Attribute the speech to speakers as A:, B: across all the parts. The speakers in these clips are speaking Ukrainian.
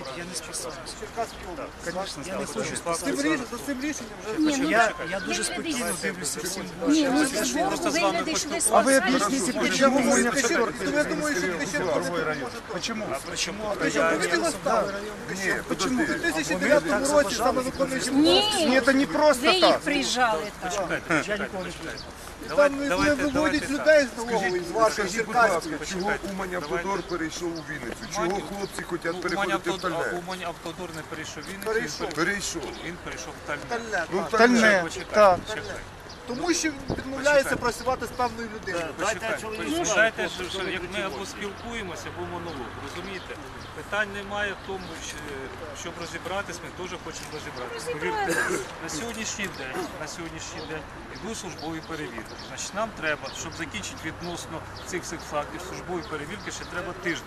A: я не списав.
B: Конечно,
A: Я не хочу
C: За цим рішенням вже...
D: Ні, ну,
A: Я дуже спокійно дивлюся всім.
D: ні, ну, це ж
A: Просто з вами
D: вигляди, що ви
B: А вы
D: спасаєте.
B: объясните,
C: Я
B: почему
C: думаю,
B: не
C: що я думаю, що ти ще
B: другой район? Почему?
A: Почему?
B: Нет, почему?
C: У 2009 році саме виконуючи
D: Ні,
B: Это не
D: ви
B: просто
D: їх
B: так.
D: приїжджали там.
C: там не виводять людей з налогової, з вашої
E: Скажіть, будь ласка,
C: Черкаської.
E: чого Умань Автодор перейшов у Вінницю? Чого хлопці хочуть переходити в Тальне?
F: Умань Автодор не перейшов Вінницю,
E: Перейшов.
F: він перейшов в Тальне.
C: Тальне,
E: Ну,
C: так.
B: Тальне,
F: Почекайте,
B: так.
F: почекайте.
C: Тому що він відмовляється працювати з певною людиною.
F: Почекайте, що як ми або спілкуємося, або монолог, розумієте? Питань немає в тому, щоб розібратись, ми теж хочемо розібратись. Повірте, на сьогоднішній день йдуть службові перевірки. Значить, нам треба, щоб закінчити відносно цих всіх фактів службової перевірки, ще треба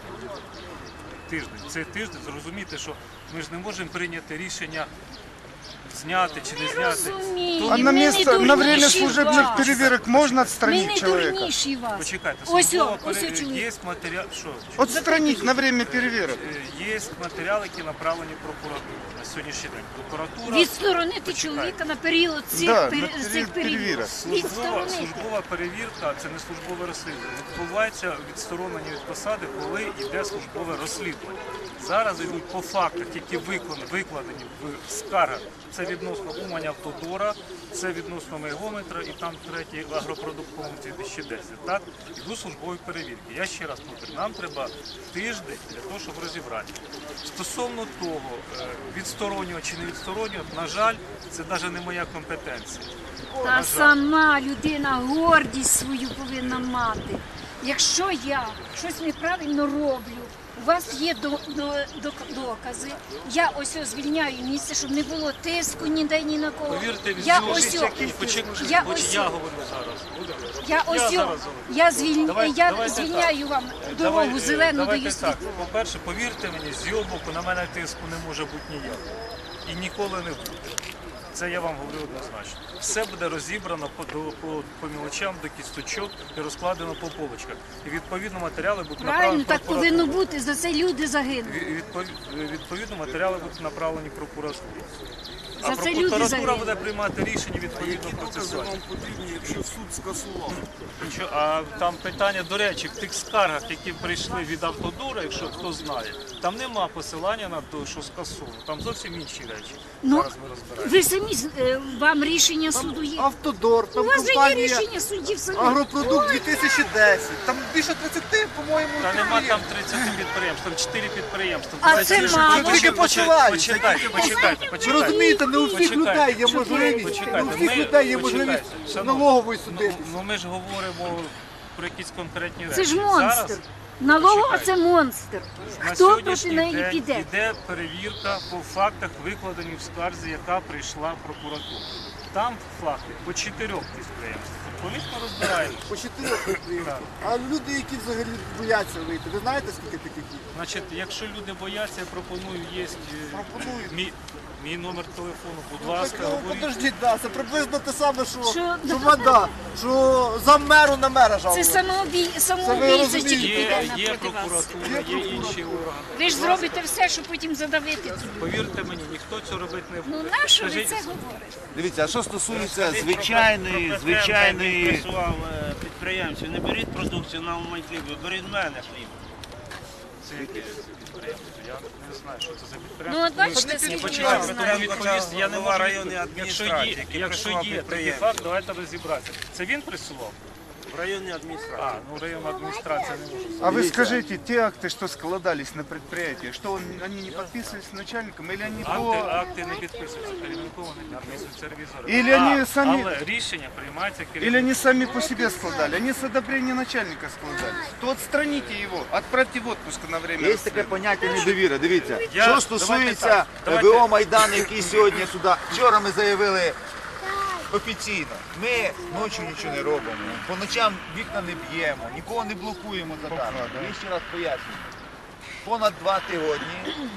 F: тиждень. Цей тиждень, зрозуміти, що ми ж не можемо прийняти рішення зняти чи не зняти.
D: Розумію,
B: А на
D: ми не
B: место, на время
D: дурніші
B: служебных
D: вас.
B: переверок можно
D: Ми
B: отстранить
D: не
B: человека?
D: дурніші вас.
F: Почекайте,
D: Ось
F: службова
D: о, ось о
F: перевірка,
D: чоловік.
F: є матеріал, що?
B: Отстранить на время переверок.
F: Є матеріали, які направлені в прокуратуру на сьогоднішній день. Прокуратура,
D: Відсторонити чоловіка на період цих,
B: Да,
D: пер-
B: на
D: цих перевірок.
B: перевірок.
F: службова перевірка, це не службове розслідування. Відбувається відсторонення від посади, коли йде службове розслідування. Зараз йдуть по фактах, які викладені в скаргах. Це відносно Умань Автодора, це відносно Мегометра і там третій агропродуктовий 2010. Так? Йдуть службові перевірки. Я ще раз повторю, нам треба тиждень для того, щоб розібрати. Стосовно того, відсторонювати чи не відсторонювати, на жаль, це навіть не моя компетенція.
D: Та сама людина гордість свою повинна мати. Якщо я щось неправильно роблю, у вас є докази, я ось звільняю місце, щоб не було тиску ніде ні на кого.
F: Повірте, від
D: Я
F: цього
D: ось
F: я говорю зараз.
D: я звільняю вам дорогу зелену даю
F: Давайте так.
D: світло.
F: По-перше, повірте мені, з його боку на мене тиску не може бути ніякого. І ніколи не буде. Це я вам говорю однозначно. Все буде розібрано по мілочам, до кісточок і розкладено по полочках. І відповідно матеріали будуть
D: Правильно,
F: направлені
D: так
F: в прокуратуру.
D: повинно бути, за це люди загинули.
F: Відповідно, матеріали будуть направлені прокуратурі. А
D: За це люди
F: прокуратура
D: загинули.
F: буде приймати рішення відповідно процесуально.
E: Вам потрібні, якщо суд скасував?
F: А там питання, до речі, в тих скаргах, які прийшли від Автодора, якщо хто знає, там нема посилання на те, що скасовано. Там зовсім інші речі.
D: Ну,
F: Зараз ми розбираємо.
D: ви самі, вам рішення суду є.
C: Автодор,
D: У
C: там
D: вас же є
C: компанія
D: рішення суддів самі.
C: Агропродукт 2010. Там більше 30, по-моєму,
F: Та нема там
C: підприємств.
F: 30 підприємств, там 4 підприємства.
D: А це мало.
C: Тільки починають.
F: Почекайте.
C: Ви розумієте, не у всіх людей є можливість,
F: Почекайте,
C: не у всіх
F: ми-
C: людей є
F: почекайте,
C: можливість
F: шановні,
C: налогової судити.
F: Ну ми ж говоримо про якісь конкретні речі.
D: Це ж
F: Зараз
D: монстр. Налогова це монстр.
F: на
D: Хто проти
F: сьогоднішній
D: неї
F: день
D: піде?
F: йде перевірка по фактах, викладені в скарзі, яка прийшла в прокуратуру. Там факти по 4 підприємствах. Відповідно розбираємося.
C: По 4 підприємства. А люди, які взагалі бояться вийти, ви знаєте, скільки таких є?
F: Значить, якщо люди бояться, я пропоную, є
C: Пропонують.
F: мій номер телефону, будь ласка,
C: Ну,
F: говоріть.
C: подождіть, да, це приблизно те саме,
D: Що?
C: що вода, що замеру на мера
D: Це
C: жалували.
D: самоубійця
C: розумієте.
D: тільки піде
F: Є
D: проти вас.
F: прокуратура, є інші органи.
D: Ви ж зробите все, щоб потім задавити тут.
F: Повірте мені, ніхто цього робити не
D: Ну
F: буде.
D: нащо ви
F: Скажіть,
D: це говорите?
G: Дивіться, а що стосується звичайної
H: Працював підприємців, не беріть продукцію на Умань хліб, беріть в мене хліб.
F: це яке підприємство? Я не знаю, що це за
D: Ну
F: підприємство.
D: от бачите, скільки
F: Почекайте,
D: вас
F: тому
D: знає.
F: відповісти я не
H: Голова
F: можу
H: районної
F: відповісти.
H: адміністрації, який
F: Якщо
H: присував
F: є такий
H: підприємців.
F: факт, давайте розібратися. Це він присував?
H: В районній адміністрації.
F: А, ну районна адміністрація не може.
B: А вы скажите, те акты, что складались на предприятии, что они не подписывались начальником, или они
F: Акти не підписуються, керівниково не підписуються ревізори.
B: Или вони самі-
F: Але рішення приймається
B: или
F: керівником.
B: они сами по себе складали, они с одобрения начальника складались, то отстраните его, отправьте в отпуск на время
G: є таке
B: расследования.
G: поняття недовіра. Дивіться,
F: Я-
G: що стосується
F: давайте.
G: ВО Майдан, який сьогодні сюди. Вчора ми заявили офіційно. Ми ночі нічого не робимо, по ночам вікна не б'ємо, нікого не блокуємо задармо. Я ще раз пояснюю. Понад 2 тижні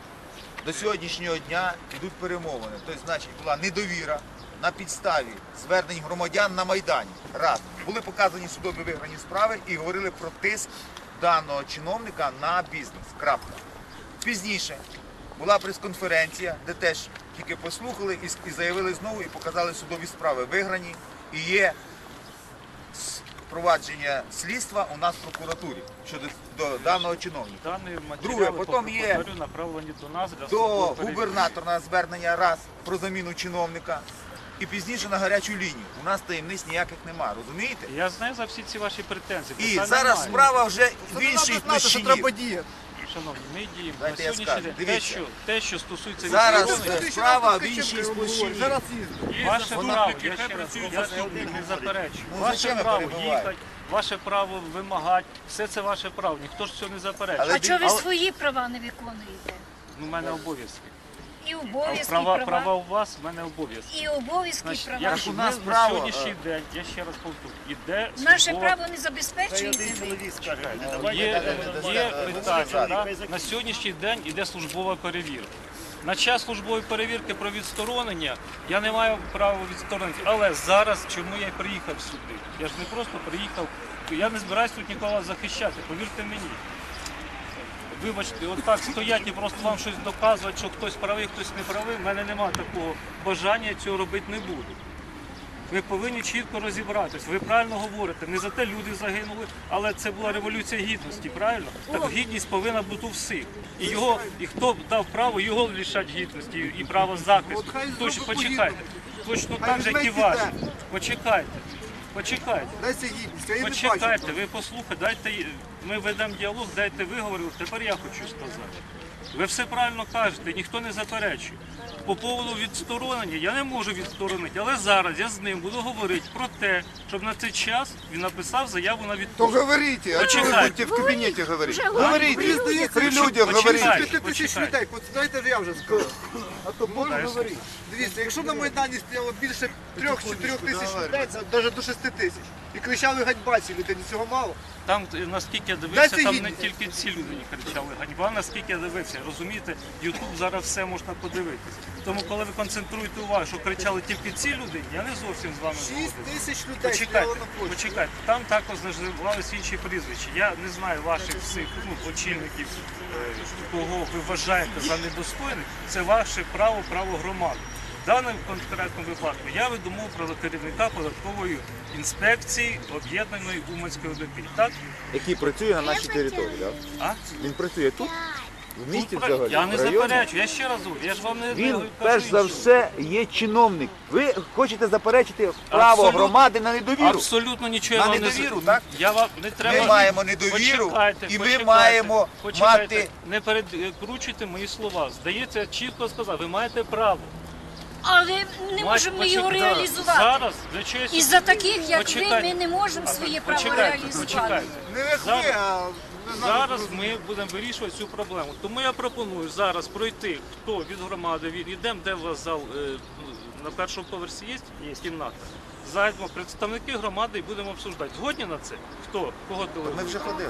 G: до сьогоднішнього дня йдуть перемовини. Тобто, значить, була недовіра на підставі звернень громадян на Майдані. Раз. Були показані судові виграні справи і говорили про тиск даного чиновника на бізнес. Крапка. Пізніше була прес-конференція, де теж тільки послухали і заявили знову, і показали судові справи виграні. І є провадження слідства у нас в прокуратурі щодо даного чиновника.
F: Дані
G: Друге,
F: матеріали,
G: потім є
F: повторю, направлені до нас для
G: до
F: службової перевірки.
G: губернатора звернення раз про заміну чиновника і пізніше на гарячу лінію. У нас таємниць ніяких нема, розумієте?
F: Я знаю за всі ці ваші претензії.
G: І
F: Питань
G: зараз
F: немає.
G: справа вже в
C: Треба
G: іншій
C: знати, що
G: площині.
C: треба діяти.
F: Шановні, ми діємо
G: Дайте
F: на
G: я
F: сьогоднішній
G: скажу.
F: день.
G: Дивіться.
F: Те, що стосується
G: Зараз
F: відсторонення,
G: справа в іншій площині.
C: Зараз їздить.
F: ваше право, я ще раз, я не заперечую.
G: Ну,
F: Ваше
G: зачем я
F: право
G: перебиваю?
F: їхати, ваше право вимагати, все це ваше право, ніхто ж цього не заперечує.
G: Але
D: А чого ви
F: Але-
D: свої права не виконуєте?
F: У мене обов'язки.
D: І обов'язки,
F: Права у вас, в мене обов'язки.
D: І обов'язки,
F: Значить,
D: права.
F: якщо
G: у нас
F: ми
G: право,
F: на сьогоднішній день, я ще раз повторю, іде
D: Наше
F: службова-
D: право не забезпечуєте ви?
F: Є питання. Да? На сьогоднішній день іде службова перевірка. На час службової перевірки про відсторонення я не маю права відсторонити. Але зараз чому я й приїхав сюди? Я ж не просто приїхав, я не збираюся тут нікого захищати, повірте мені. Вибачте, отак стоять і просто вам щось доказувати, що хтось правий, хтось не правий. В мене немає такого бажання, я цього робити не буду. Ви повинні чітко розібратись. Ви правильно говорите, не за те люди загинули, але це була революція гідності, правильно? Так гідність повинна бути у всіх. І хто дав право, його лишать гідності і право захисту.
C: От хай
F: Точно,
C: зробить
F: почекайте. Точно
C: Хай
F: так же, як і
C: візьме
F: вас.
C: піде.
F: Почекайте.
C: Дайте гідність, я її не бачу.
F: Почекайте, ви послухайте, ми ведемо діалог, дайте виговорю, тепер я хочу сказати. Ви все правильно кажете, ніхто не заперечує. По поводу відсторонення я не можу відсторонити, але зараз я з ним буду говорити про те, щоб на цей час він написав заяву на
E: То
F: відпустку.
E: говорите, а что вы
F: Почекайте.
E: будете в кабинете говорить?
D: Вже
E: Говорите,
C: здається,
E: при
C: що-
E: людях
F: Почекайте.
E: говорите.
C: 5 тисяч людей, от знаєте, я вже скажу. А то можна говорити. Дивіться, якщо на Майдані стояло більше 3-4 тисяч людей, це навіть до 6 тисяч. І кричали ганьба ці людині, цього мало.
F: Там, наскільки я дивився,
C: Дайте
F: там не
C: гідність.
F: тільки ці люди не кричали ганьба, наскільки я дивився. Розумієте, Ютуб зараз все можна подивитися. Тому коли ви концентруєте увагу, що кричали тільки ці люди, я не зовсім з вами
C: 6
F: згоден.
C: тисяч людей
F: Почекайте,
C: стояло на площі.
F: почекайте. Там також називалися інші прізвища. Я не знаю ваших всіх очільників, кого ви вважаєте за недостойних. Це ваше право, право громади. В даному конкретному випадку я веду мову про керівника податкової інспекції об'єднаної Уманської ОДП. Так?
G: Який працює на нашій території, так?
F: А?
G: Він працює тут? В місті
F: Тут
G: взагалі?
F: я не
G: в районі?
F: заперечую, я ще раз говорю, я ж вам не
G: Він
F: кажу
G: перш за
F: іншого.
G: все є чиновник. Ви хочете заперечити право
F: Абсолютно.
G: громади на недовіру.
F: Абсолютно нічого
G: На
F: я вам не
G: недовіру,
F: за-
G: так?
F: Я вам не треба.
G: Ми маємо недовіру,
F: Почекайте,
G: і ми
F: почекайте,
G: маємо
F: почекайте.
G: мати.
F: Не перекручуйте мої слова. Здається, я чітко сказав, ви маєте право.
D: Але не можемо його
F: Почекайте.
D: реалізувати.
F: Зараз для чогось.
D: Із-за таких, як ви,
F: Почекайте.
D: ми не можемо своє право
F: Почекайте,
D: реалізувати.
F: почекайте.
C: Не як
F: Зараз-
C: ви, а не знаю,
F: Зараз ми будемо вирішувати цю проблему. Тому я пропоную зараз пройти, хто від громади, йдемо, де у вас зал, на першому поверсі є кімната. Зайдемо представники громади і будемо обсуждати. Згодні на це? Хто? Кого
G: Ми
F: телефон?
G: вже ходили.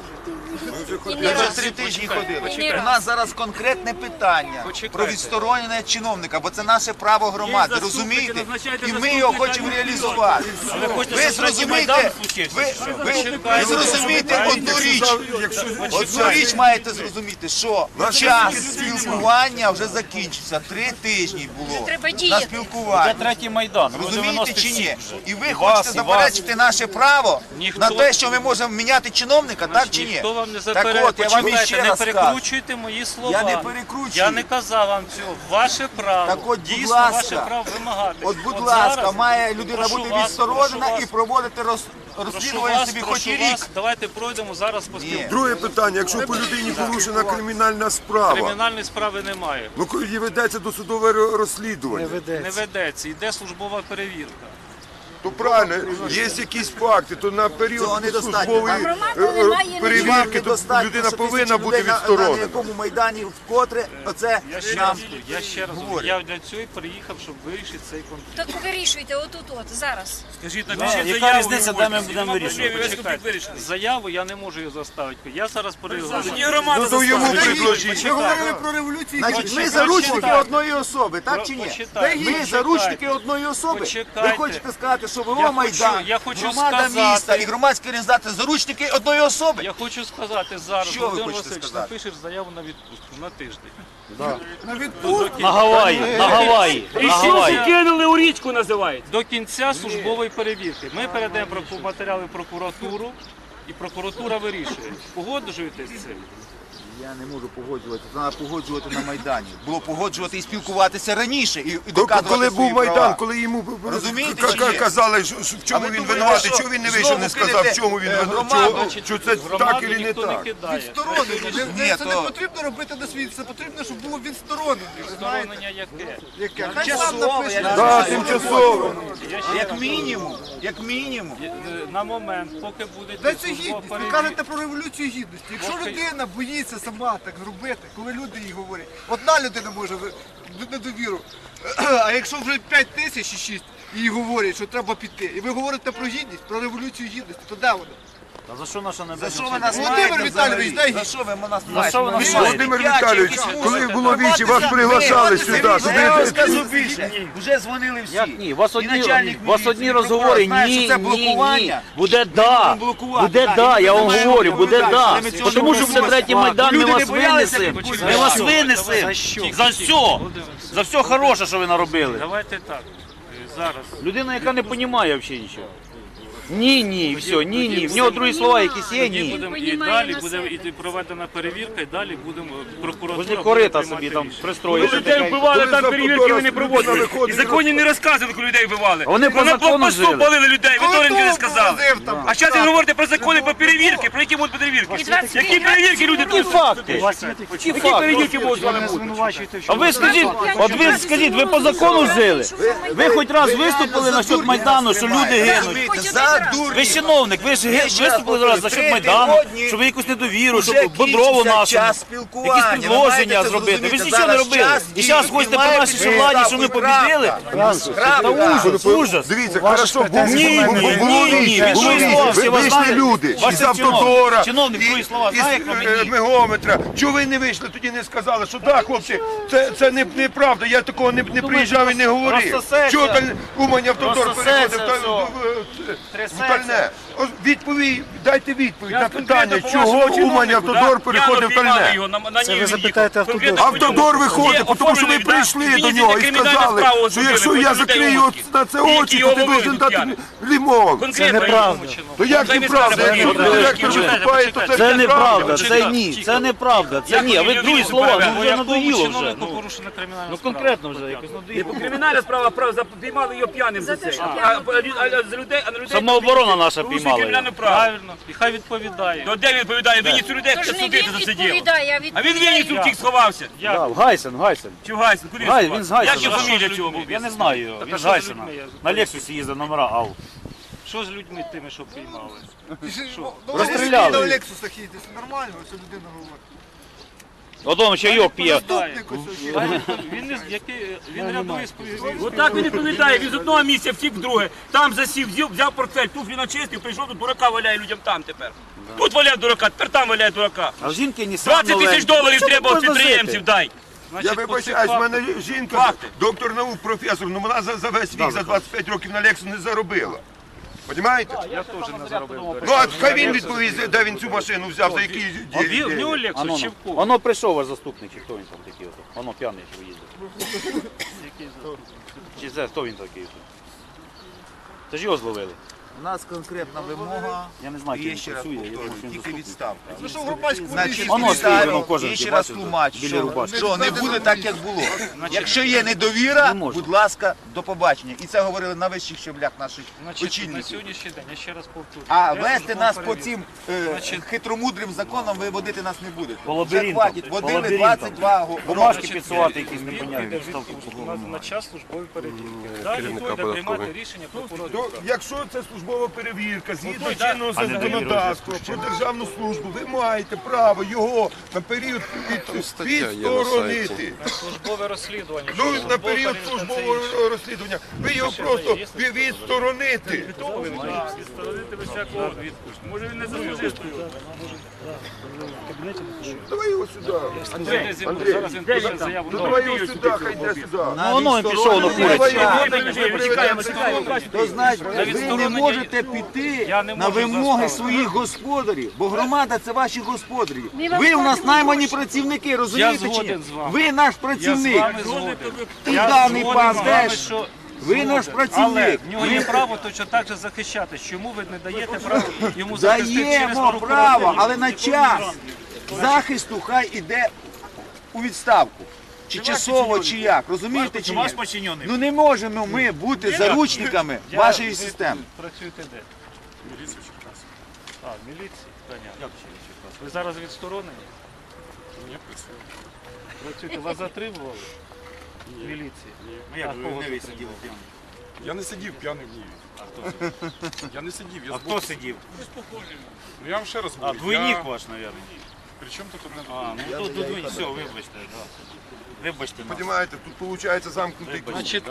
D: І
G: Ми
D: не
G: вже
D: раз.
G: 3 тижні
F: Почекайте,
G: ходили.
F: почекайте.
G: У нас зараз конкретне питання
F: Почекайте.
G: про відсторонення чиновника, бо це наше право громади,
F: Є заступники,
G: розумієте?
F: назначайте
G: І ми його хочемо реалізувати.
F: А ви хочете,
G: Ви
F: щоб третій
G: зрозумієте,
F: Майдан случився,
G: ви,
F: чи що?
G: ви
F: Почекайте.
G: зрозумієте одну річ. Одну річ маєте зрозуміти, що час спілкування вже закінчився. 3 тижні було
D: треба
G: на
D: діяти.
G: спілкування.
F: Третій Майдан.
G: Розумієте чи ні? І ви хочете заперечити наше право
F: Ніхто-
G: на те, що ми можемо міняти чиновника, так чи ні?
F: Ніхто вам не
G: Так
F: заперечує.
G: от, я вам
F: Почекайте,
G: іще
F: не
G: раз кажу.
F: перекручуйте мої слова.
G: Я не перекручую.
F: Я не казав вам цього. Ваше право.
G: Так от, будь
F: Дійсно,
G: ласка.
F: ваше право вимагати.
G: От, будь ласка,
F: зараз
G: має людина
F: прошу
G: бути
F: вас,
G: відсторонена
F: прошу
G: і
F: вас,
G: проводити
F: прошу
G: розслідування
F: вас,
G: собі хоч
F: прошу
G: і рік.
F: вас, давайте пройдемо зараз по
G: Ні.
F: спілкуванню.
E: Друге питання, якщо по людині порушена кримінальна справа,
F: Кримінальної справи немає.
E: ну коли ведеться досудове розслідування,
F: Не ведеться, йде службова перевірка.
E: то правильно, є якісь факти, то на
G: Цього
E: період
G: недостатньо.
E: службової
D: Громада не має
E: перевірки то
G: Недостатньо,
E: людина
G: що
E: повинна
G: тисячі
E: бути
G: людей на
E: відсторонена.
G: якому майдані вкотре оце
F: Я ще
G: нам
F: раз говорю,
G: говорять.
F: я для цього і приїхав, щоб вирішити цей конфлікт.
D: Так вирішуйте отут, зараз.
F: Скажіть,
H: яка різниця, де ми будемо
F: вирішувати? Заяву я не можу її заставити. Я зараз переговорю.
E: Ну то йому предложіть.
C: Ми говорили про революцію.
G: Значить, ми
F: Почекайте.
G: заручники одної особи, так чи ні?
F: Почитайте.
G: Ми заручники одної особи.
F: Почекайте.
G: Ви хочете сказати, що
F: Я
G: ВО Майдан,
F: я хочу
G: громада
F: сказати-
G: міста і громадські організації заручники одної особи.
F: Я хочу сказати зараз,
G: Що ви
F: Володимир
G: хочете
F: Васильович,
G: сказати?
F: напишеш заяву на відпустку на тиждень.
I: На Гаваї, на Гаваї, на Гаваї.
J: Кинули у річку, називається.
F: До кінця службової перевірки. Ми передаємо матеріали в прокуратуру, і прокуратура вирішує. Погоджуєтесь з цим?
G: Я не можу погоджуватися, треба погоджувати на Майдані. Було погоджувати і спілкуватися раніше, і доказувати
E: Коли був
G: свої
E: Майдан,
G: права.
E: коли йому
G: Розумієте чи ні?
E: казали, що в
G: А
E: чому
G: ви
E: він
G: думаєте,
E: винуватий,
G: що
E: чого він не
G: знову
E: вийшов, не сказав,
G: кинете,
E: в чому він
G: громаду,
E: винуватий, що це
F: Громаду
E: так і не
F: ніхто не
E: так.
F: кидає.
C: Відсторонення.
F: Ні,
C: Це не потрібно робити на світ, це потрібно, щоб було відсторонення. ви знаєте?
F: Відсторонення яке?
C: Яке? Хай сам
G: Тимчасово,
C: напише.
G: я не
E: Так, тимчасово.
G: Як мінімум, як мінімум.
F: На момент, поки буде
C: Де це
F: службова
C: гідність? Ви
F: перевірка.
C: кажете про революцію гідності. Якщо
F: Поки-
C: людина боїться сама так зробити, коли люди їй говорять, одна людина може недовіру, а якщо вже 5 тисяч і 6 їй говорять, що треба піти, і ви говорите про гідність, про революцію гідності, то де вона?
I: Та за що наша
G: За що ви нас
C: Володимир
G: маєте
C: Віталійович,
G: взагалі?
C: дай
G: За що ви нас
I: За що ви
G: маєте?
I: нас
G: Ви
I: маєте?
E: Володимир
G: п'ять
E: Віталійович,
G: якісь
E: коли
G: мусите.
E: було вічі, вас
G: Ви
E: приглашали
G: ходите
E: сюди.
G: самі, Я вам
E: туди.
G: скажу більше. Вже дзвонили всі.
I: Як ні? У вас
G: І
I: одні,
G: начальник
I: у вас
G: міліції,
I: одні
G: і
I: розговори,
G: прокурор знає,
I: ні,
G: що це
I: ні, ні.
G: блокування.
I: Буде
G: Ми
I: да,
G: будемо блокувати,
I: буде
G: так,
I: да,
G: і
I: я
G: ми
I: вам
G: маємо
I: говорю, буде
G: відповідати.
I: да.
G: Ми цього
I: Тому що
G: не
I: буде третій Майдан, ми
G: Люди не
I: вас
G: боялися
I: винесемо.
G: підходити.
I: Ми вас
F: За
I: винесемо.
F: що?
I: За все. За все хороше, що ви наробили.
F: Давайте так. Зараз.
I: Людина, яка не розуміє взагалі нічого. Ні, ні, все, ні, ні. В нього другі слова якісь є,
F: Тоді
I: ні.
F: будемо і
D: Понімає
F: далі
D: на
F: буде
D: себе.
F: іти проведена перевірка, і далі будемо прокуратура.
I: Возле
F: буде
I: корита
F: приймати
I: собі там
F: рішення.
I: пристроїли.
J: Людей вбивали,
E: Коли
J: там
E: за
J: перевірки
E: Тодора
J: ви не проводили.
E: виходить,
J: І законі не розказували, коли людей вбивали.
I: Вони по
J: на
I: закону
J: блокпосту
I: жили.
J: палили людей, ви теж не
C: Хто
J: сказали.
C: повозив там?
J: А зараз ви говорите про закони, про перевірки. Про які будуть перевірки? Які перевірки люди
I: Які
J: тут?
I: факти?
J: Які
I: Які факти?
J: перевірки будуть з вами бути?
I: А ви скажіть, от ви скажіть, ви по закону жили? Ви хоч раз виступили насчет Майдану, що люди гинуть?
G: Розумієте, за дурні.
I: Ви чиновник, ви ж виступили раз за счет Майдану, щоб ви якусь недовіру,
G: Вже
I: щоб Бодрову
G: кінчиться
I: нашу,
G: час спілкування.
I: якісь
G: Ви маєте
I: предложення
G: це
I: зробити. Ви ж
G: зрозуміти.
I: нічого не
G: Зараз
I: робили.
G: час
I: І зараз
G: діє,
I: хочете
G: має
I: по нашій
G: бути
I: владі, що ми
G: крапка.
I: побідили?
G: Крапка.
I: Ужас, ужас.
E: Дивіться, хорошо, було
I: Ні, ні,
E: було
I: ні, ні,
E: вічі,
I: ви
E: було
I: свої
E: вічі.
I: слова всі вас
E: Вийшли
I: знаєте?
E: люди
I: Ваш
E: із Автодора,
I: чиновник. Чиновник свої слова знає, як
E: із
I: мені.
E: Мегометра. Чого ви не вийшли, тоді не сказали, що так, хлопці, це неправда, я такого не приїжджав і не говорив.
I: розсосеться.
E: Чого там Умань Автодор
I: Розсосеться
E: переходив
I: все.
E: в Тальне? Відповідь, дайте відповідь на
J: Я
E: питання,
J: конкретно по
E: чого
J: вашому
E: Умань
J: чиновнику,
E: Автодор
J: да?
E: переходив в
J: Яну піймали
E: Тальне?
J: його, на ній запитаєте
E: Автодор виходить, тому що ви прийшли до нього і сказали, що якщо я закрию на це очі, то ти должен дати лимон.
J: Це неправда.
E: То як неправда? Якщо директор виступає, то це
I: Це неправда,
E: неправда.
I: це ні, це неправда, це ні. А ви другі слова, ну вже надоїло вже.
F: Чиновнику порушена кримінальна
I: Ну
F: справа.
I: конкретно вже якось надоїло.
J: Кримінальна справа, піймали його п'яним за це. А за людей,
I: Самооборона наша
J: порушує
I: піймала.
J: кримінальну
I: його.
J: право.
F: Правильно. І хай відповідає.
J: То де він відповідає? Вінницю людей
D: Тож
J: хто
D: не
J: судити
D: він
J: засидів.
D: відповідає,
J: А він Вінницю втік сховався.
I: Да, в Гайсен, Гайсен.
J: Чи в Гайсен? Куди
I: Гай,
J: сховався?
I: він з Гайсена.
J: Як його фамілія цього був?
I: Я не знаю його,
F: Так,
I: він
F: а
I: з
F: що за
I: Гайсена.
F: людьми?
I: На Лексусі їздив номера АУ.
F: Що з людьми тими, що приймали?
I: Розстріляли.
C: На Лексусах їздить, це нормально, що людина говорить.
I: Одом чайок п'є.
C: Заступник ось є.
F: Він не він рядовий сповідь.
J: Отак він відповідає, він з одного місця втік в друге. Там засів, взяв портфель, туфлі начистив, прийшов, тут дурака валяє людям там тепер. Тут валяє дурака, тепер там валяє дурака.
I: А в жінки не
J: 20 тисяч доларів треба від підприємців дай.
E: Я вибачаюсь, в мене жінка, доктор наук, професор, ну вона за весь вік, за 25 років на Лексу не заробила. Понімаєте?
F: Я теж не заробив.
E: Ну, а хай він відповість, де він цю машину взяв, за які
F: В нього
I: Ано,
F: Лексус чи в кого?
I: Воно прийшов ваш заступник, чи хто він там такий? Воно п'яний, що їздив. Чи це, хто він такий? Це ж його зловили.
G: У нас конкретна вимога.
I: Я не знаю,
G: І
I: чи
G: є
I: він
G: ще раз
I: працює, я думаю,
G: повторюю,
I: що він
G: тільки
I: заступник.
G: відставка.
C: Ну що в громадському
G: Значить,
C: місці?
I: Воно стоїть, воно кожен
G: і ще раз
I: бачив,
G: тлумач,
I: біля рубашки.
G: що не буде так, як було. Якщо є недовіра,
I: Не можна.
G: будь ласка, до побачення. І це говорили на вищих щаблях наших
F: Значить, на
G: очільників.
F: сьогоднішній день, я ще раз повторюю.
G: А
F: Де
G: вести
F: службова
G: нас по
F: перевірка?
G: цим
F: Значить,
G: хитромудрим законам ви водити нас не будете.
I: По
G: Вже
I: лабіринтам,
G: хватить,
I: по
G: водили
I: лабіринтам.
G: 22
I: Бумажки
G: роки.
I: підсувати якісь
F: Він
I: непонятні.
F: йде на час службової перевірки. Далі буде приймати рішення прокуратура.
E: Якщо це служба службова перевірка, згідно чинного законодавства про державну службу, ви маєте право його на період відсторонити.
F: Службове розслідування.
E: Ну, на період службового розслідування. Ви його просто відсторонити.
J: Відсторонити без всякого відпуску. Може він не заслужив.
E: Давай його сюди.
J: Андрій, зараз він пише заяву.
E: Давай його сюди, хай йде сюди.
I: Ну воно він пішов, ну курить.
G: То значить, ви не можете піти на вимоги своїх господарів, бо громада це ваші господарі. Ви у нас наймані працівники, розумієте чи ні?
F: згоден з вами.
G: Ви наш
F: Я з
G: працівник.
F: вами згоден.
G: І
F: Я
G: даний
F: згоден
G: пан
F: з вами,
G: теж.
F: що
G: Ви наш
F: Але
G: працівник.
F: в нього є право точно так же захищатись. Чому ви не даєте право йому захистити через
G: Даємо право,
F: прокуратуру?
G: але на час захисту хай іде у відставку. Чи часово, чи як, розумієте чи ні? Ну не можемо ми бути заручниками вашої системи.
F: Працюєте де? Міліція в Черкасах. А, в міліції? Понятно. Як в Черкасах? Ви зараз відсторонені? Ні, працюю. Працюєте? Вас затримували? В міліції? Ну як ви не сиділи п'яний?
K: Я не сидів п'яний в Ніві.
F: А хто сидів?
K: Я не сидів, я
F: А хто сидів?
K: Ну я вам ще раз
F: А,
K: говорю.
F: двойник ваш, мабуть.
K: При чому тут одне
F: А, ну тут двойник. Все, вибачте. Да. Вибачте нас.
E: Понимаете, тут виходить замкнутий круг.
F: Значить,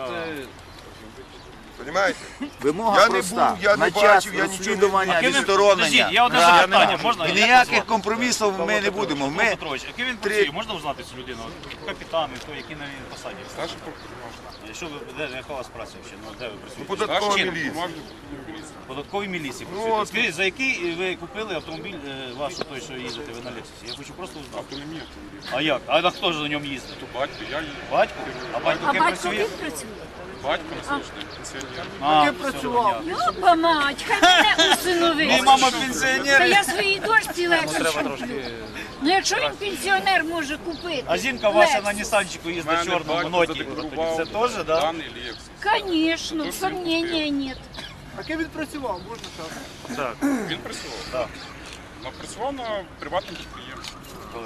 E: Понимаете?
G: Вимога
E: Я не
G: проста.
E: був, я не
G: На час
E: бачив, я нічого не
G: розслідування,
F: Подождіть,
G: відсторонення.
F: я одне
G: Правильно.
F: запитання, можна?
G: І
F: Як
G: ніяких
F: вас
G: компромісів ми не будемо.
F: Петро
G: Ми
F: Петрович, який він працює? Можна узнати цю людину? Капітан, хто, який на посаді?
K: Старший прокурор.
F: Що ви, яка у вас праця взагалі? Ну, де ви працюєте?
E: податкова
F: Чим?
E: міліція.
F: Податковій міліції
E: Ну,
F: працюєте.
E: от.
F: Скажіть, за який ви купили автомобіль ваш, той, що їздите ви на Лексусі? Я хочу просто узнати.
K: То не мій автомобіль.
F: А як? А хто ж на ньому їздить?
K: То батько, я їду.
F: Батько? А батько
D: А
F: ким
D: батько
F: працює?
D: ким працює?
K: Батько на сьогодні пенсіонер.
F: А, працював.
D: Йопа мать, хай мене усиновить.
F: Мій мама
D: Та
F: пенсіонер.
D: я своїй дочці легше куплю. Ну якщо він пенсіонер може купити.
F: А жінка ваша
D: Lexus,
F: на Нісанчику
K: У
F: їздить
K: мене
F: чорному
K: батько
F: ноті.
K: задекларував
F: Це теж, так? Да?
K: даний Лексус.
D: Конечно, сомнения нет.
C: А ким він працював, можна сказати?
F: Так.
K: Він працював. Так. Працював на приватному підприємстві.
F: Коли?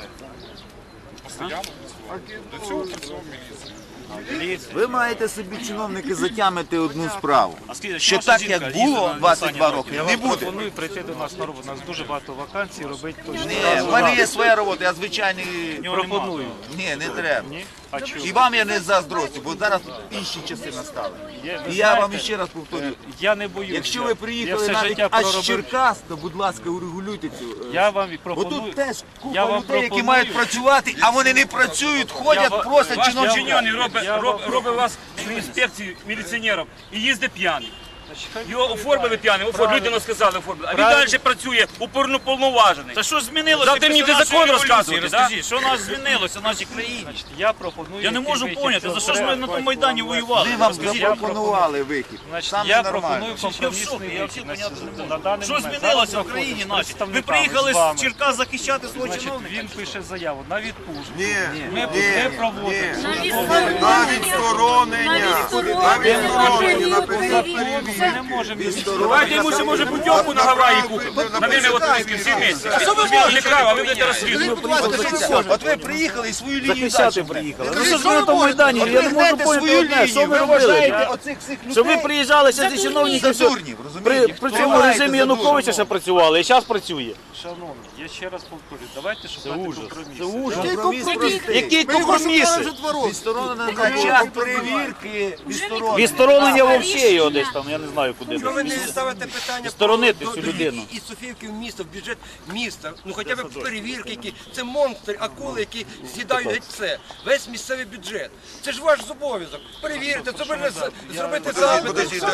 K: Постійно працював. До цього працював в міліції.
F: Міліція.
G: Ви маєте собі, чиновники, затямити одну справу.
F: А скажіть,
G: Що
F: ваша
G: так,
F: жінка
G: як
F: їздить
G: було
F: на
G: 22
F: Нісані
G: роки,
F: Я
G: не
F: вам
G: буде.
F: пропоную прийти до нас на роботу. У нас дуже багато вакансій, робити точно.
G: Ні, в мене є своя робота, я звичайний.
F: Пропоную.
G: Ні, не треба.
F: Ні? А чого?
G: І вам я не заздростю, бо зараз інші часи настали.
F: Є, ви
G: І я вам
F: знаєте,
G: ще раз повторюю.
F: Я не боюся.
G: Якщо ви
F: Я
G: приїхали
F: все
G: навіть
F: життя
G: аж з
F: проробив.
G: Черкас, то будь ласка, урегулюйте цю.
F: Я вам і
G: Бо
F: пропоную.
G: тут теж
F: Я
G: купа
F: вам
G: людей, які
F: пропоную.
G: мають працювати, а вони не працюють, ходять,
F: ва-
G: просять
J: Ваш
G: чиновників.
J: підчинений
F: Я вам
J: робить вас в інспекції міліціонерів і їздить п'яний. Його оформили п'яним, людину сказали оформили. А він
F: Правильно.
J: далі працює уповноважений.
F: Та що змінилося?
J: Завтра мені
F: після
J: ти закон
F: нашої
J: розказуєте,
F: революції?
J: да?
F: Розкажіть, що у нас змінилося в нашій країні? Я пропоную.
I: Я не
F: який
I: можу
F: вихід,
I: поняти, за що ж ми
F: треба
I: на тому Майдані воювали.
G: Ми вам
F: Розкажіть,
G: запропонували вихід.
F: Значить,
G: Саме
F: я
G: нормально.
F: пропоную
I: Я в
F: компромісний
I: шокі, я
F: вихід
I: взагалі
F: на
I: поняти не можу.
F: на даний
I: Що
F: момент.
I: змінилося
F: Зараз
I: в країні
F: знаходжусь
I: нашій? Ви
F: представниками
I: приїхали
F: з вами.
I: з Черкас захищати свого
F: Значить,
I: чиновника?
F: він пише заяву на відпустку.
E: Ні,
F: Ми проводимо.
D: На
E: на відсторонення. На відсторонення, на період
F: Ми не можемо
J: Давайте йому ще може путівку на Гаваї купимо. На время отпуски, всі місяці. Він не прав, а ви будете розслідувати.
G: От ви приїхали і свою лінію
I: Захищати
G: далі
I: приїхали.
G: гнете.
I: Ну що ж ви на тому Майдані? Я не можу
G: Гнете
I: поняти
G: свою
I: одне, що
G: лінію,
I: ви
G: ви вважаєте
I: робили?
G: оцих всіх людей
I: Що ви приїжджали ще зі чиновників,
G: за
I: що
G: дурнів,
I: при
G: розумієте?
I: цьому
G: Впливаєте
I: режимі
G: за
I: Януковича ще
G: дурнів.
I: працювали, і зараз працює.
F: Шановні, я ще раз повторюю, давайте шукати компроміси.
I: Це ужас.
G: Компроміс простий.
I: Які компроміси?
G: Відсторонено на час перевірки. Відсторонено.
I: Відсторонення взагалі його десь там, я не знаю куди.
L: Чому ви не ставите питання
I: Сторонити
L: про
I: цю
L: довід
I: людину.
L: із Софіївки в місто, в бюджет міста? Ну хоча б перевірки, які це монстри, акули, які з'їдають геть все. Весь місцевий бюджет. Це ж ваш обов'язок. Перевірити, це ви зробити запити.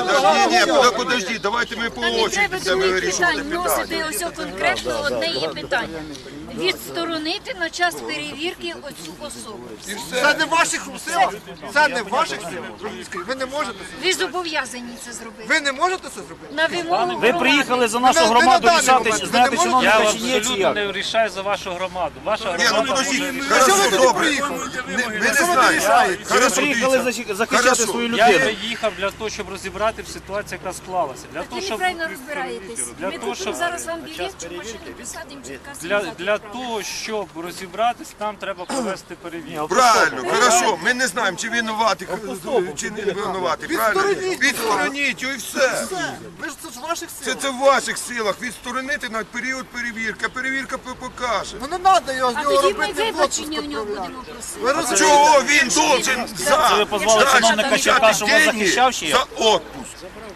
E: Подожди, давайте ми по
D: Та не
E: очереді
D: треба
E: будемо
D: других
E: вирішувати
D: питань
E: питання.
D: носити ось конкретно одне є питання. Відсторонити на час перевірки оцю особу.
C: Це не в ваших силах. Це не в ваших силах. Ви не можете це.
D: Ви зобов'язані це зробити.
C: Ви не можете це зробити.
D: На вимогу
I: Ви
D: громади.
I: приїхали за нашу
C: Ви на
I: громаду
C: даний
I: рішати,
C: момент, ви
I: зняти
C: не можете?
I: чиновника
F: Я
I: чи ні, чи
F: абсолютно
I: як?
F: не рішаю за вашу громаду. Ваша
E: Ні, ну
F: громада
E: подожди,
F: може...
E: хорошо, добре. Ми не знаємо.
I: Ви
E: Хорошо,
I: приїхали
E: дивіться.
I: захищати
E: Хорошо.
I: свою
F: Я
I: людину.
F: приїхав для того, щоб розібрати в ситуації, яка склалася. Для
D: Ви
F: того, щоб
D: неправильно розбираєтесь.
F: Для
D: Ми
F: того,
D: купимо
F: щоб-
D: зараз вам білет, чи машину посадимо, чи
F: для того, щоб розібратись, нам треба провести перевірку.
E: Правильно, хорошо, ми не знаємо, чи винуватий, чи не винуватий, правильно? Відстороніть його і все.
C: Ви ж це ж в ваших силах.
E: Це в ваших силах, відсторонити на період перевірки, перевірка покаже.
C: Ну не треба його з
D: А
C: нього
D: тоді ми
C: робити
D: вибачення в
C: отпуск
D: нього
C: відправляти.
D: будемо просити.
C: Ви розумієте?
E: Чого він должен
I: Це ви позвали чиновника Черка, що вас захищав чи як?
E: за отпуск?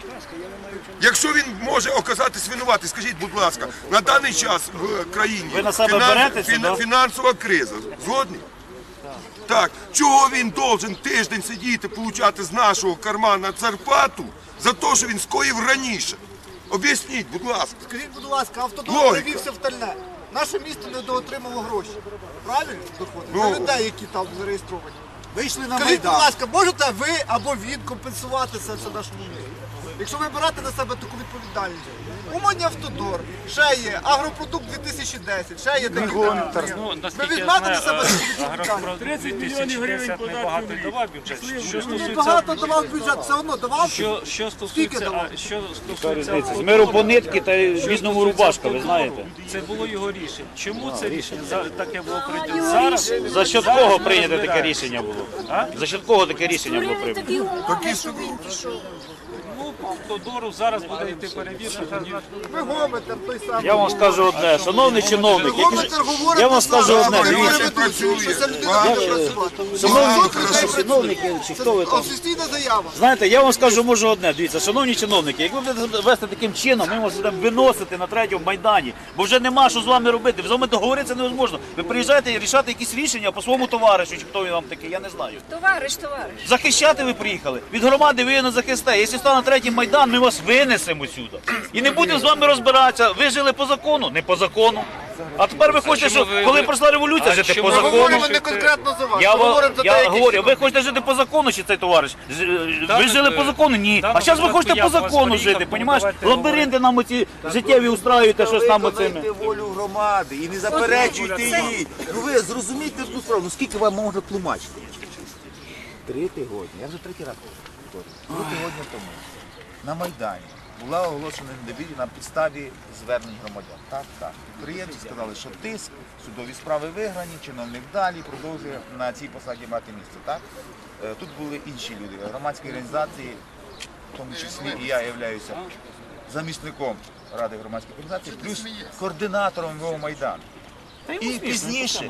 E: Якщо він може оказатись винуватий, скажіть, будь ласка, на даний час в країні
I: Ви на себе берете сюди?
E: фінансова криза. Згодні? Так, чого він должен тиждень сидіти, получати з нашого кармана зарплату за те, що він скоїв раніше? Об'ясніть, будь ласка.
C: Скажіть, будь ласка, автодор
E: Логіка.
C: перевівся в Тальне. Наше місто недоотримало гроші. Правильно? Доходи.
E: Ну.
C: За людей, які там зареєстровані.
G: Вийшли на
C: Скажіть, будь
G: Майдан.
C: ласка, можете ви або він компенсувати це все нашому місту? Якщо ви берете на себе таку відповідальність. Умані Автодор, ще є Агропродукт 2010, ще є такі.
F: Ну,
C: Ви
F: наскільки я
C: візьмете на
F: знаю,
C: себе таку відповідальність?
F: Агропродукт 2010 небагато й давав бюджет. Що
C: Багато
F: стосується,
C: давав бюджет, все одно давав.
F: що
C: Скільки
F: стосується,
C: давав?
F: що стосується
I: З миру по нитки та й бідному рубашка, ви знаєте.
F: це було його рішення. Чому це рішення таке було прийнято? Зараз
I: За счет кого прийнято таке рішення було? За счет кого таке рішення було
D: Створили
I: прийнято?
D: такі умови, що він пішов.
F: ну, по Автодору зараз буде йти перевірка.
C: Ви гомите той самий.
I: Я вам скажу одне, шановний чиновник,
C: Гомите говорите,
I: я вам скажу одне, дивіться.
C: що ця людина не буде працювати.
I: Шановні чиновники, чи хто ви там?
C: Офіційна заява.
I: Знаєте, я вам скажу, можу одне, дивіться, шановні чиновники, як ви будете вести таким чином, ми вас будемо виносити на третьому Майдані, бо вже нема що з вами робити, з вами договоритися невозможно. Ви приїжджаєте і рішати якісь рішення по своєму товаришу, чи хто він вам такий, я не знаю.
D: Товариш.
I: Захищати ви приїхали, від громади ви не захисте. Якщо стане третій Майдан, ми вас винесемо сюди. І не будемо з вами розбиратися, ви жили по закону, не по закону. А тепер ви хочете, що коли пройшла революція, жити по
C: Ми
I: закону.
C: говоримо не конкретно за вас,
I: Я
C: ми говоримо за деякі.
I: говорю, ви хочете жити по закону, чи цей товариш? Ви жили по закону? Ні. А зараз ви хочете по закону жити, понімаєш? Лабіринти нам оці життєві устраюєте, щось там оцими.
G: Виконуйте волю громади і не заперечуйте їй. Ну ви зрозумійте одну справу, ну скільки вам можна тлумачити? 3 тижні, я вже 3 раз повторюю. 3 тижні тому на Майдані була оголошена недовір'я на підставі звернень громадян. Так. Підприємці сказали, що тиск, судові справи виграні, чиновник далі продовжує на цій посаді мати місце. Так? Тут були інші люди, громадські організації, в тому числі і я являюся замісником Ради громадських організацій, плюс координатором МВО Майдану. І пізніше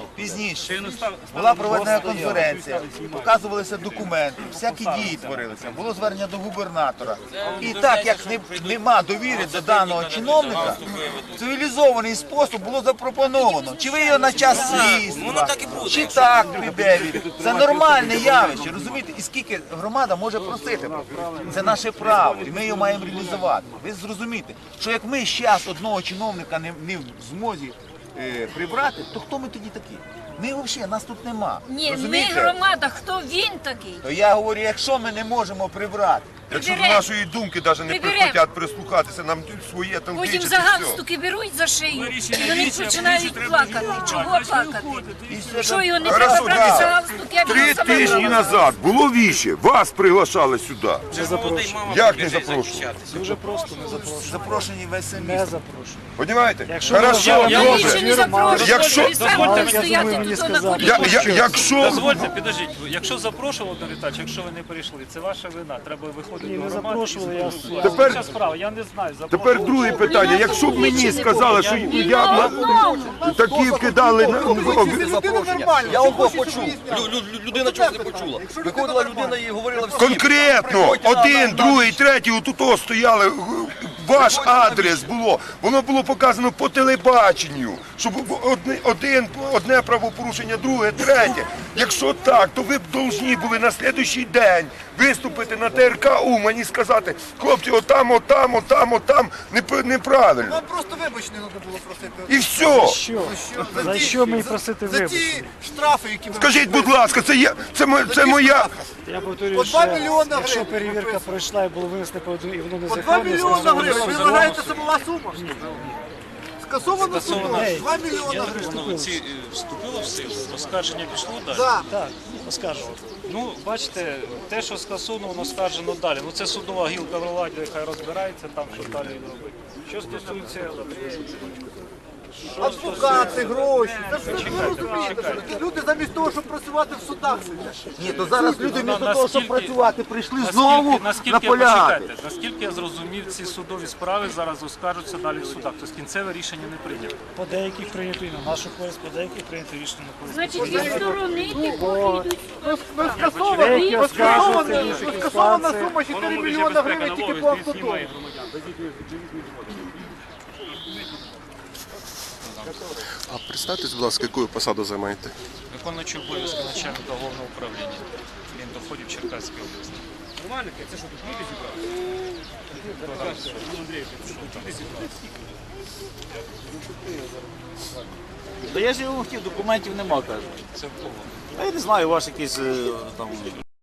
G: була проведена конференція, показувалися документи, всякі дії творилися, було звернення до губернатора. І так як нема довіри до даного чиновника, в цивілізований спосіб було запропоновано, чи ви його на час слідства, чи так приберіть. Це нормальне явище, розумієте? І скільки громада може просити? Це наше право, і ми його маємо реалізувати. Ви зрозумієте, що як ми зараз одного чиновника не в змозі прибрати, то хто ми тоді такі? Ми взагалі, нас тут нема.
D: Ні, ми
G: Розумієте?
D: громада, хто він такий?
G: То я говорю, якщо ми не можемо прибрати,
E: Якщо до нашої думки навіть не прихотять прислухатися, нам своє там
D: Потім
E: кричать
D: за
E: і все.
D: галстуки беруть за шию, і вони починають плакати. Чого плакати? Що його не
E: Хорошо,
D: треба брати
E: да.
D: за галстуки, а
E: 3
D: він саме
E: тижні
D: робить.
E: назад було віще, вас приглашали сюди. Як не запрошували?
F: Дуже просто не запрошую.
G: запрошені весь місто.
F: Не запрошую.
E: Понімаєте? Хорошо,
D: Я
E: добре.
D: більше не запрошую,
E: Якщо-
D: і сам буду стояти тут на кулі.
E: Якщо
F: Дозвольте, підождіть, якщо запрошували до Віталія, якщо ви не прийшли, це ваша вина. Треба виходити до громади.
E: Тепер-
F: Ця справа, я не знаю.
E: Тепер друге питання. Якщо б мені сказали, що я такі вкидали на
C: Я обох почув.
L: Людина чогось не почула. Виходила людина і говорила всім.
E: конкретно один, другий, третій, отут стояли. Ваш адрес було, воно було показано по телебаченню, щоб одне правопорушення, друге, третє. Якщо так, то ви б повинні були на слідуючий день виступити на ТРК Умань і сказати, хлопці, отам, неправильно.
C: Вам просто вибачення треба було просити.
E: І все.
C: За що мені просити вибачення? За ті штрафи, які ви...
E: Скажіть, будь ласка, це моя...
M: Я повторюю,
C: По 2 мільйони
M: якщо
C: гривень.
M: перевірка пройшла і було винесено і воно
C: По 2
M: незаконне,
C: мільйони гривень. Ви вважаєте, це була сума? Скасовано судом. 2 мільйони гривень.
F: Вступило в силу, оскарження пішло далі.
C: Так.
M: оскаржувати.
F: Ну, бачите, те, що скасовано, воно скаржено далі. Ну, це судова гілка влади, яка розбирається там, що далі робити. Що стосується
C: адвокати, гроші. Це все ви розумієте. що Люди замість того, щоб працювати в судах сидять.
G: Ні, то зараз люди вмісто того, щоб
F: наскільки-
G: працювати, прийшли знову
F: наскільки
G: наполягати.
F: почекайте, наскільки я зрозумів, ці судові справи зараз оскаржуються далі в судах. Тобто кінцеве рішення не прийнято.
M: По деяких прийнято і на нашу користь, по деяких прийнято рішення на користь.
D: Значить, відсторонити, поки йдуть.
C: Скасована сума 4 мільйона гривень тільки по автодому.
N: А представтесь, будь ласка, яку посаду займаєте?
F: Виконуючий обов'язки начальника головного управління доходів Черкаської області.
I: Та я ж його хотів, документів нема, кажу.
F: Це в кого?
I: А я не знаю, ваш якийсь там